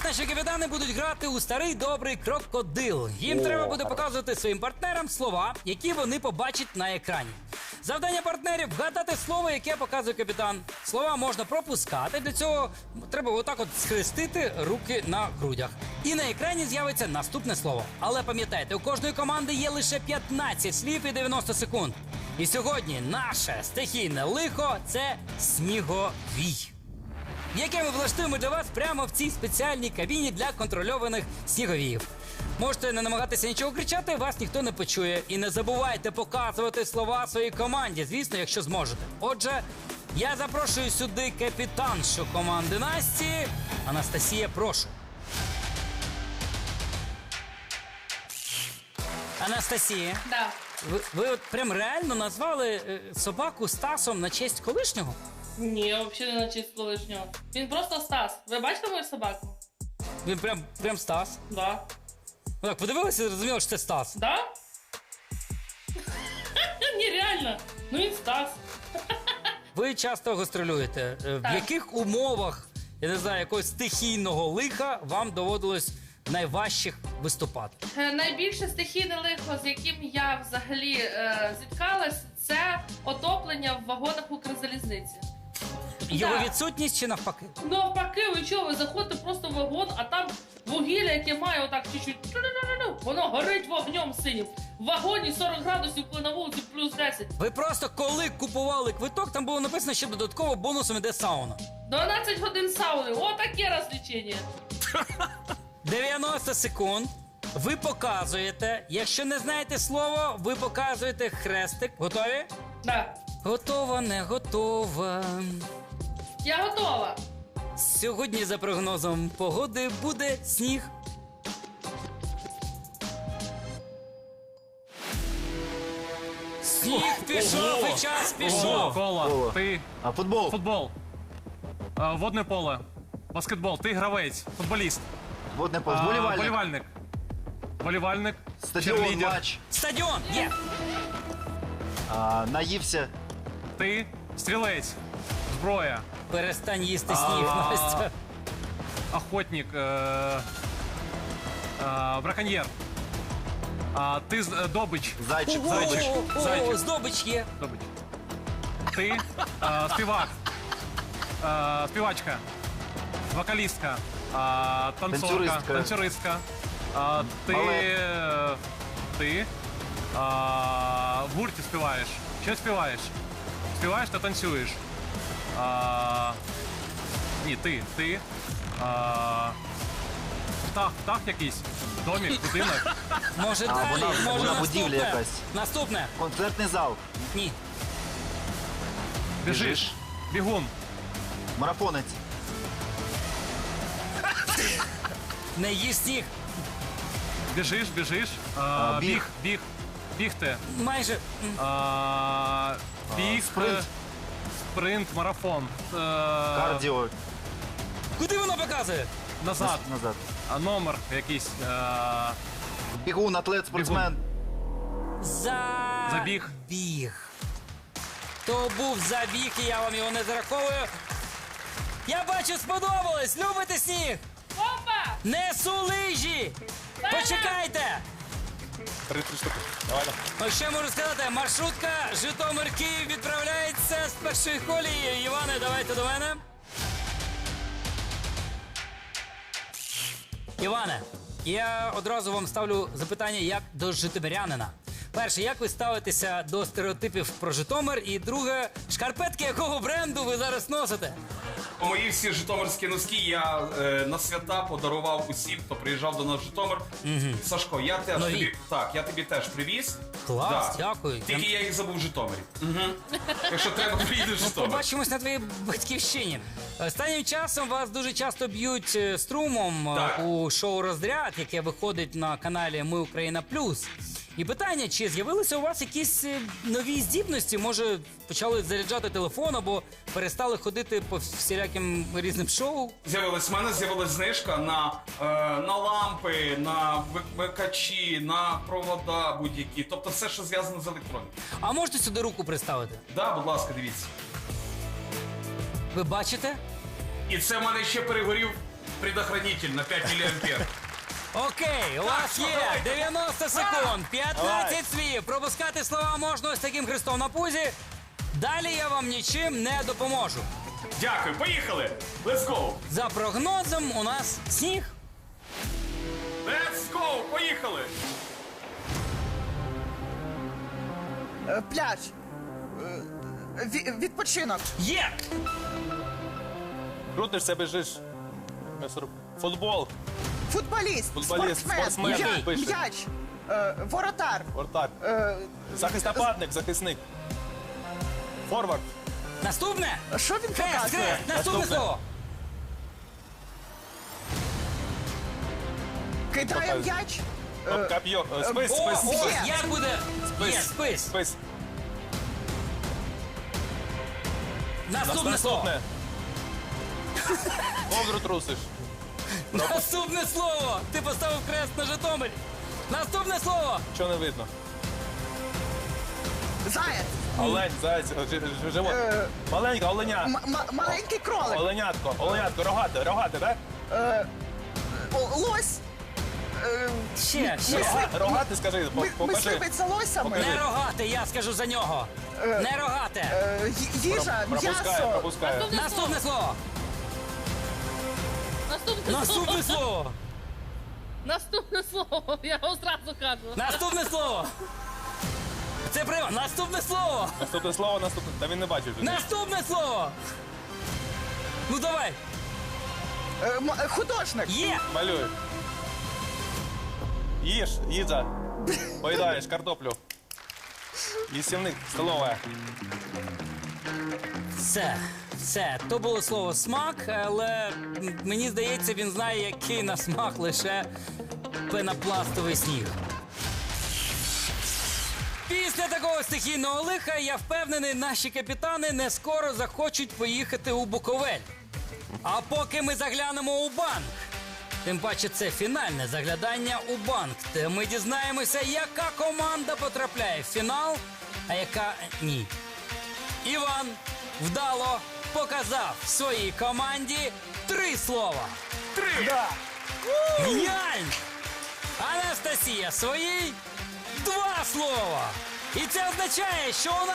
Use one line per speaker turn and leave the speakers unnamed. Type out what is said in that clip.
наші капітани будуть грати у старий добрий крокодил. Їм треба буде показувати своїм партнерам слова, які вони побачать на екрані. Завдання партнерів – вгадати слово, яке показує капітан. Слова можна пропускати, для цього треба отак от схрестити руки на грудях. І на екрані з'явиться наступне слово. Але пам'ятайте, у кожної команди є лише 15 слів і 90 секунд. І сьогодні наше стихійне лихо – це сніговій, яке ми влаштуємо для вас прямо в цій спеціальній кабіні для контрольованих сніговіїв. Можете не намагатися нічого кричати, вас ніхто не почує. І не забувайте показувати слова своїй команді, звісно, якщо зможете. Отже, я запрошую сюди капітаншу команди Насті. Анастасія, прошу. Анастасія,
Да.
ви от прям реально назвали собаку Стасом на честь колишнього?
Ні, взагалі не на честь колишнього. Він просто Стас. Ви бачите мою собаку?
Він прям Стас.
Да.
Ви так подивилися і зрозуміли, що це Стас.
Да? Ні, реально. Ну він Стас.
Ви часто гастролюєте. В
Так.
яких умовах, я не знаю, якогось стихійного лиха вам доводилось найважчих виступати?
Найбільше стихійне лихо, з яким я взагалі зіткалась, це отоплення в вагонах Укрзалізниці.
Його
Да.
відсутність чи навпаки?
Навпаки, ви чого, ви заходите просто в вагон, а там вугілля, яке має отак чуть-чуть, воно горить вогнем синім. В вагоні 40 градусів, коли на вулиці плюс 10.
Ви просто коли купували квиток, там було написано, що додатково бонусом іде сауна.
12 годин сауни, отаке розвлечення.
90 секунд. Ви показуєте. Якщо не знаєте слово, ви показуєте хрестик. Готові?
Да.
Готова, не готова.
Я готова.
Сьогодні, за прогнозом погоди, буде сніг. Сніг пішов і час пішов.
Кола. Ти
А футбол?
футбол. Водне поле. Баскетбол. Ти гравець. Футболіст.
Водне поле. Вболівальник.
Болівальник. Болівальник.
Стадіон,
Черлідер.
матч.
Стадіон є.
Наївся.
Ти стрілець. Зброя.
Перестань їсти сніг, Настя.
Охотник. Браконьєр. Ти добич.
Зайчик.
Зайчик. Зайчик.
Здобич є.
Добич. Ти співак. Співачка. Вокалістка. Танцорка.
Танцюристка.
Танцюристка. Ти.
Балет.
Ти. В гурті співаєш. Що співаєш? Співаєш та танцюєш. Ні, ти. Птах якийсь. Домік, будинок.
Може далі, може
вона
наступне.
будівля якась.
Наступне.
Концертний зал.
Ні.
Біжиш. Бігун.
Марафонець.
Не їж сніг.
Біжиш.
Біг.
Бігти.
Майже.
Біг.
Спринт.
Спринт, марафон.
Кардіо.
Куди воно показує?
Назад.
Назад.
Номер якийсь.
Бігун, атлет, спортсмен.
Забіг.
Біг. То був забіг, і я вам його не зараховую. Я бачу, сподобалось. Любите сніг?
Опа!
Несу лижі. Почекайте.
3 штуки. Давай.
Ось ще можу сказати, маршрутка Житомир-Київ відправляється з першої колії. Іване, давайте до мене. Іване, я одразу вам ставлю запитання як до житомирянина. Перше, як ви ставитеся до стереотипів про Житомир? І друге, шкарпетки якого бренду ви зараз носите?
Мої всі житомирські носки я на свята подарував усім, хто приїжджав до нас в Житомир. Сашко, я теж
Нові.
тобі, я тобі теж привіз.
Клас, дякую.
Тільки я їх забув в Житомирі. Якщо треба, приїду в Житомир.
Побачимось на твоїй батьківщині. Останнім часом вас дуже часто б'ють струмом
Так.
у шоу «Розряд», яке виходить на каналі «Ми Україна Плюс». І питання, чи з'явилися у вас якісь нові здібності? Може, почали заряджати телефон або перестали ходити по всіляким різним шоу?
В мене з'явилась знижка на лампи, на вимикачі, на провода будь-які. Тобто все, що зв'язано з електронікою.
А можете сюди руку приставити?
Да, будь ласка, дивіться.
Ви бачите?
І це в мене ще перегорів предохранитель на 5 миллиампер.
Окей, у вас
що,
є
давайте.
90 секунд, 15 слів. Пропускати слова можна ось таким хрестом на пузі. Далі я вам нічим не допоможу.
Дякую, поїхали! Let's go!
За прогнозом у нас сніг.
Let's go! Поїхали!
Пляж. Відпочинок.
Є!
Крутишся, біжиш. Футбол,
Футболіст.
Футболіст, спортсмен,
М'яч.
пише.
М'яч. Воротар.
вратар, захист нападник, захисник. Форвард,
Наступне.
Що він
Хрест,
показує?
хрест, наступне
Наступне.
слово.
Кидає м'яч.
коп'йо, спис,
О,
спис,
ось,
спис,
як буде? Є, спис.
спис.
Наступне слово.
Наступне. Ковдру трусиш.
Наступне слово. Ти поставив хрест на Житомирі. Наступне слово.
Що не видно?
Заяць.
Олень, заяць, живот. Маленька, оленя.
Маленький кролик.
Оленятко, оленятко, рогате, рогате, так?
Лось.
Ще.
Рогате, скажи, покажи.
Мисливець за лосями.
Покажи.
Не рогате, я скажу за нього. Не рогате.
Їжа,
Пропускає,
м'ясо.
пропускає.
Наступне слово. Наступне слово.
Наступне слово, я вам зразу кажу.
Наступне слово. Це прямо. Наступне слово.
Наступне слово, наступне. Та він не бачив.
Наступне слово. Ну давай.
Художник.
Є.
Малюй. Їж, їжа. Поїдаєш картоплю. Їстівник, столова.
Все. То було слово смак, але мені здається, він знає, який на смак лише пенопластовий сніг. Після такого стихійного лиха, я впевнений, наші капітани не скоро захочуть поїхати у Буковель. А поки ми заглянемо у банк. Тим паче це фінальне заглядання у банк, де ми дізнаємося, яка команда потрапляє в фінал, а яка ні. Іван вдало показав своїй команді 3 слова.
3!
Геніально! Анастасія своїй 2 слова. І це означає, що у нас